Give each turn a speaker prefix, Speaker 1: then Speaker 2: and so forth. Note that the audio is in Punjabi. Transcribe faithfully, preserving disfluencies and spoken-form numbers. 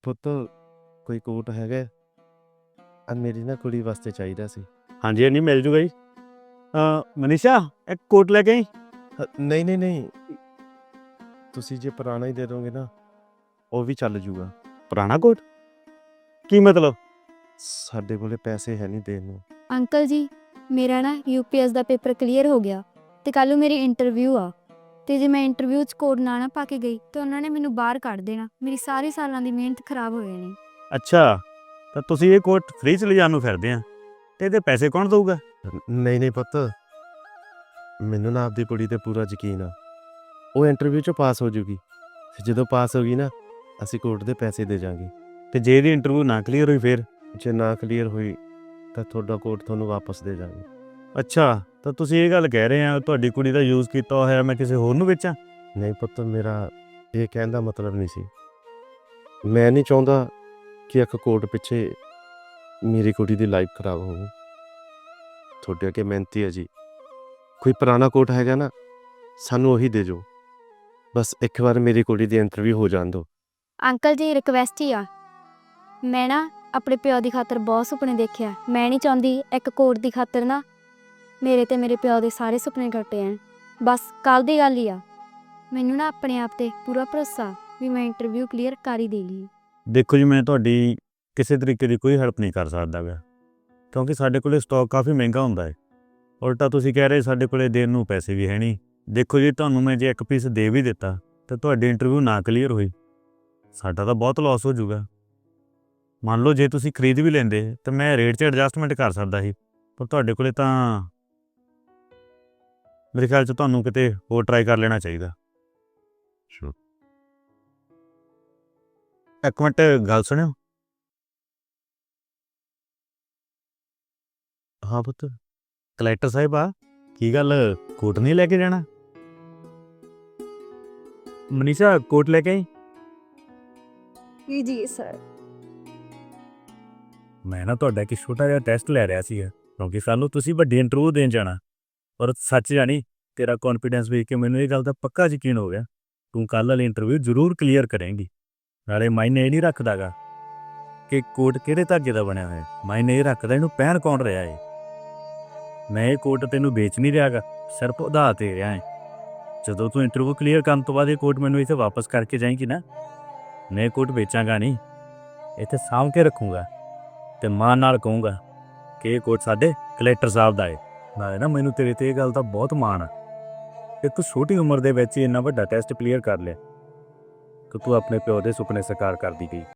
Speaker 1: ਪੁੱਤ ਕੋਈ ਕੋਟ ਹੈਗਾ? ਆ ਮੇਰੀ ਨਾ ਕੁੜੀ ਵਾਸਤੇ ਚਾਹੀਦਾ ਸੀ।
Speaker 2: ਹਾਂਜੀ ਹਾਂਜੀ ਮਿਲ ਜੂਗਾ ਜੀ। ਮਨੀਸ਼ਾ ਇੱਕ ਕੋਟ ਲੈ ਕੇ ਆਈ।
Speaker 1: ਹ- ਨਹੀਂ ਨਹੀਂ ਨਹੀਂ, ਤੁਸੀਂ ਜੇ ਪੁਰਾਣਾ ਹੀ ਦੇ ਦੋਗੇ ਨਾ ਉਹ ਵੀ ਚੱਲ ਜੂਗਾ।
Speaker 2: ਪੁਰਾਣਾ ਕੋਟ ਕੀ ਮਤਲਬ?
Speaker 1: ਸਾਡੇ ਕੋਲੇ ਪੈਸੇ ਹੈ ਨਹੀਂ ਦੇਣ ਨੂੰ।
Speaker 3: ਅੰਕਲ ਜੀ, ਮੇਰਾ ਨਾ ਯੂ ਪੀ ਐਸ ਦਾ ਪੇਪਰ ਕਲੀਅਰ ਹੋ ਗਿਆ ਤੇ ਕੱਲ੍ਹ ਨੂੰ ਮੇਰੀ ਇੰਟਰਵਿਊ ਆ ਤੇ ਜੇ ਮੈਂ ਇੰਟਰਵਿਊ 'ਚ ਕੋਡ ਨਾ ਨਾ ਪਾ ਕੇ ਗਈ ਤਾਂ ਉਹਨਾਂ ਨੇ ਮੈਨੂੰ ਬਾਹਰ ਕੱਢ ਦੇਣਾ। ਮੇਰੀ ਸਾਰੇ ਸਾਲਾਂ ਦੀ ਮਿਹਨਤ ਖਰਾਬ ਹੋ ਜਾਣੀ।
Speaker 2: ਅੱਛਾ, ਤਾਂ ਤੁਸੀਂ ਇਹ ਕੋਟ ਫ੍ਰੀ 'ਚ ਲਿਜਾਣ ਨੂੰ ਫਿਰਦੇ ਆ ਤੇ ਇਹਦੇ ਪੈਸੇ ਕੌਣ ਦਊਗਾ?
Speaker 1: ਨਹੀਂ ਨਹੀਂ ਪੁੱਤ, ਮੈਨੂੰ ਨਾ ਆਪਦੀ ਕੁੜੀ ਤੇ ਪੂਰਾ ਯਕੀਨ ਆ। ਉਹ ਇੰਟਰਵਿਊ 'ਚ ਪਾਸ ਹੋ ਜੂਗੀ ਤੇ ਜਦੋਂ ਪਾਸ ਹੋ ਗਈ ਨਾ ਅਸੀਂ ਕੋਟ ਦੇ ਪੈਸੇ ਦੇ ਜਾਾਂਗੇ।
Speaker 2: ਤੇ ਜੇ ਇਹਦੀ ਇੰਟਰਵਿਊ ਨਾ ਕਲੀਅਰ ਹੋਈ ਫਿਰ?
Speaker 1: ਜੇ ਨਾ ਕਲੀਅਰ ਹੋਈ ਤਾਂ ਤੁਹਾਡਾ ਕੋਟ ਤੁਹਾਨੂੰ ਵਾਪਸ ਦੇ ਜਾਾਂਗੇ।
Speaker 2: ਅੱਛਾ, ਤਾਂ ਤੁਸੀਂ ਇਹ ਗੱਲ ਕਹਿ ਰਹੇ ਆ ਤੁਹਾਡੀ ਕੁੜੀ ਦਾ ਯੂਜ਼ ਕੀਤਾ ਹੋਇਆ ਮੈਂ ਕਿਸੇ ਹੋਰ ਨੂੰ ਵੇਚਾਂ?
Speaker 1: ਨਹੀਂ ਪੁੱਤ, ਮੇਰਾ ਇਹ ਕਹਿਣ ਦਾ ਮਤਲਬ ਨਹੀਂ ਸੀ। ਮੈਂ ਨਹੀਂ ਚਾਹੁੰਦਾ ਕਿ ਇੱਕ ਕੋਟ ਪਿੱਛੇ ਮੇਰੀ ਕੁੜੀ ਦੀ ਲਾਈਫ ਖਰਾਬ ਹੋਵੇ। ਤੁਹਾਡੇ ਅੱਗੇ ਮਿਹਨਤੀ ਹੈ ਜੀ, ਕੋਈ ਪੁਰਾਣਾ ਕੋਟ ਹੈਗਾ ਨਾ ਸਾਨੂੰ ਉਹੀ ਦੇ ਜੋ। ਬਸ ਇੱਕ ਵਾਰ ਮੇਰੀ ਕੁੜੀ ਦੀ ਇੰਟਰਵਿਊ ਹੋ ਜਾਣ ਦਿਓ।
Speaker 3: ਅੰਕਲ ਜੀ, ਰਿਕਵੈਸਟ ਹੀ ਆ। ਮੈਂ ਨਾ ਆਪਣੇ ਪਿਓ ਦੀ ਖਾਤਰ ਬਹੁਤ ਸੁਪਨੇ ਦੇਖਿਆ। ਮੈਂ ਨਹੀਂ ਚਾਹੁੰਦੀ ਇੱਕ ਕੋਟ ਦੀ ਖਾਤਰ ਨਾ ਮੇਰੇ ਤੇ ਮੇਰੇ ਪਿਓ ਦੇ ਸਾਰੇ ਸੁਪਨੇ ਕੱਟੇ ਜਾਣ। ਬਸ ਕੱਲ੍ਹ ਦੀ ਗੱਲ ਹੀ ਆ। ਮੈਨੂੰ ਨਾ ਆਪਣੇ ਆਪ 'ਤੇ ਪੂਰਾ ਭਰੋਸਾ ਵੀ ਮੈਂ ਇੰਟਰਵਿਊ ਕਲੀਅਰ ਕਰ ਹੀ ਦੇਗੀ।
Speaker 2: ਦੇਖੋ ਜੀ, ਮੈਂ ਤੁਹਾਡੀ ਕਿਸੇ ਤਰੀਕੇ ਦੀ ਕੋਈ ਹੈਲਪ ਨਹੀਂ ਕਰ ਸਕਦਾ ਗਾ ਕਿਉਂਕਿ ਸਾਡੇ ਕੋਲੇ ਸਟਾਕ ਕਾਫੀ ਮਹਿੰਗਾ ਹੁੰਦਾ ਹੈ। ਉਲਟਾ ਤੁਸੀਂ ਕਹਿ ਰਹੇ ਸਾਡੇ ਕੋਲੇ ਦੇਣ ਨੂੰ ਪੈਸੇ ਵੀ ਹੈ ਨਹੀਂ। ਦੇਖੋ ਜੀ, ਤੁਹਾਨੂੰ ਮੈਂ ਜੇ ਇੱਕ ਪੀਸ ਦੇ ਵੀ ਦਿੱਤਾ ਤਾਂ ਤੁਹਾਡੀ ਇੰਟਰਵਿਊ ਨਾ ਕਲੀਅਰ ਹੋਈ, ਸਾਡਾ ਤਾਂ ਬਹੁਤ ਲਾਸ ਹੋ ਜਾਊਗਾ। ਮੰਨ ਲਓ ਜੇ ਤੁਸੀਂ ਖਰੀਦ ਵੀ ਲੈਂਦੇ ਤਾਂ ਮੈਂ ਰੇਟ 'ਚ ਐਡਜਸਟਮੈਂਟ ਕਰ ਸਕਦਾ ਸੀ, ਪਰ ਤੁਹਾਡੇ ਕੋਲੇ ਤਾਂ ਮੇਰੇ ਖਿਆਲ 'ਚ ਤੁਹਾਨੂੰ ਕਿਤੇ ਹੋਰ ਟਰਾਈ ਕਰ ਲੈਣਾ ਚਾਹੀਦਾ। ਇੱਕ ਮਿੰਟ ਗੱਲ ਸੁਣਿਓ।
Speaker 1: ਹਾਂ ਪੁੱਤ।
Speaker 2: ਕਲੈਕਟਰ ਸਾਹਿਬ ਆ, ਕੀ ਗੱਲ ਕੋਟ ਨਹੀਂ ਲੈ ਕੇ ਜਾਣਾ? ਮਨੀਸ਼ਾ ਕੋਟ ਲੈ ਕੇ ਆਈ।
Speaker 3: ਜੀ ਜੀ ਸਰ।
Speaker 2: ਮੈਂ ਨਾ ਤੁਹਾਡਾ ਇੱਕ ਛੋਟਾ ਜਿਹਾ ਟੈਸਟ ਲੈ ਰਿਹਾ ਸੀਗਾ ਕਿਉਂਕਿ ਸਾਨੂੰ ਤੁਸੀਂ ਵੱਡੀ ਇੰਟਰਵਿਊ ਦੇਣ ਜਾਣਾ। ਪਰ ਸੱਚ ਜਾਣੀ ਤੇਰਾ ਕੌਨਫੀਡੈਂਸ ਵੇਖ ਕੇ ਮੈਨੂੰ ਇਹ ਗੱਲ ਦਾ ਪੱਕਾ ਯਕੀਨ ਹੋ ਗਿਆ ਤੂੰ ਕੱਲ੍ਹ ਵਾਲੀ ਇੰਟਰਵਿਊ ਜ਼ਰੂਰ ਕਲੀਅਰ ਕਰੇਂਗੀ। ਨਾਲੇ ਮਾਇਨੇ ਇਹ ਨਹੀਂ ਰੱਖਦਾ ਗਾ ਕਿ ਕੋਟ ਕਿਹੜੇ ਧਾਗੇ ਦਾ ਬਣਿਆ ਹੋਇਆ, ਮਾਇਨੇ ਇਹ ਰੱਖਦਾ ਇਹਨੂੰ ਪਹਿਨ ਕੌਣ ਰਿਹਾ ਹੈ। ਮੈਂ ਇਹ ਕੋਟ ਤੈਨੂੰ ਵੇਚ ਨਹੀਂ ਰਿਹਾ ਗਾ, ਸਿਰਫ ਉਧਾਰ ਦੇ ਰਿਹਾ ਹੈ। ਜਦੋਂ ਤੂੰ ਇੰਟਰਵਿਊ ਕਲੀਅਰ ਕਰਨ ਤੋਂ ਬਾਅਦ ਇਹ ਕੋਟ ਮੈਨੂੰ ਇੱਥੇ ਵਾਪਸ ਕਰਕੇ ਜਾਏਂਗੀ ਨਾ, ਮੈਂ ਇਹ ਕੋਟ ਵੇਚਾਂਗਾ ਨਹੀਂ, ਇੱਥੇ ਸਾਂਭ ਕੇ ਰੱਖੂੰਗਾ ਅਤੇ ਮਾਣ ਨਾਲ ਕਹੂੰਗਾ ਕਿ ਇਹ ਕੋਟ ਸਾਡੇ ਕਲੈਕਟਰ ਸਾਹਿਬ ਦਾ ਹੈ। ਨਾਲੇ ਨਾ ਮੈਨੂੰ ਤੇਰੇ 'ਤੇ ਇਹ ਗੱਲ ਦਾ ਬਹੁਤ ਮਾਣ ਆ ਕਿ ਤੂੰ ਛੋਟੀ ਉਮਰ ਦੇ ਵਿੱਚ ਹੀ ਇੰਨਾ ਵੱਡਾ ਟੈਸਟ ਕਲੀਅਰ ਕਰ ਲਿਆ ਕਿ ਤੂੰ ਆਪਣੇ ਪਿਓ ਦੇ ਸੁਪਨੇ ਸਾਕਾਰ ਕਰਦੀ ਗਈ।